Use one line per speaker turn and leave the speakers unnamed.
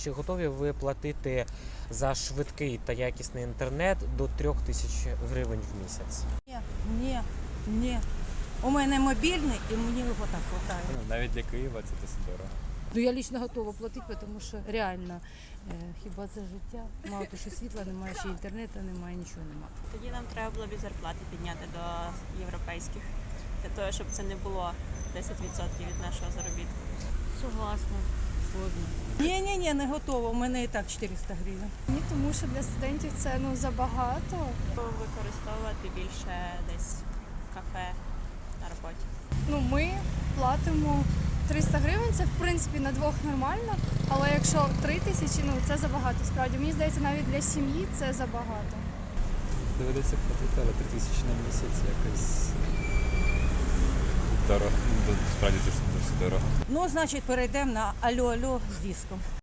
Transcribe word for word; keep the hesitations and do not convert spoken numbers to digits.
чи готові ви платити за швидкий та якісний інтернет до трьох тисяч гривень в місяць?
Ні, ні, ні. У мене мобільний і мені його так вистачає.
Ну, навіть для Києва це досить дорого.
Ну, я лично готова платити, тому що реально, е, хіба це життя? Мало того, що світла немає, ще інтернету немає, нічого немає.
Тоді нам треба було б зарплати підняти до європейських, для того, щоб це не було десять відсотків від нашого заробітку.
Согласна, згодна.
Ні, ні, ні, не готова. У мене і так чотириста гривень.
Ні, тому що для студентів це ну забагато.
Використовувати більше десь в кафе на роботі.
Ну ми платимо триста гривень, це в принципі на двох нормально, але якщо три тисячі, ну це забагато. Справді мені здається, навіть для сім'ї це забагато.
Доведеться платити, але три тисячі на місяць якось дорого. Ну, справді це досить дорого.
Ну, значить, перейдемо на алло-алло з диском.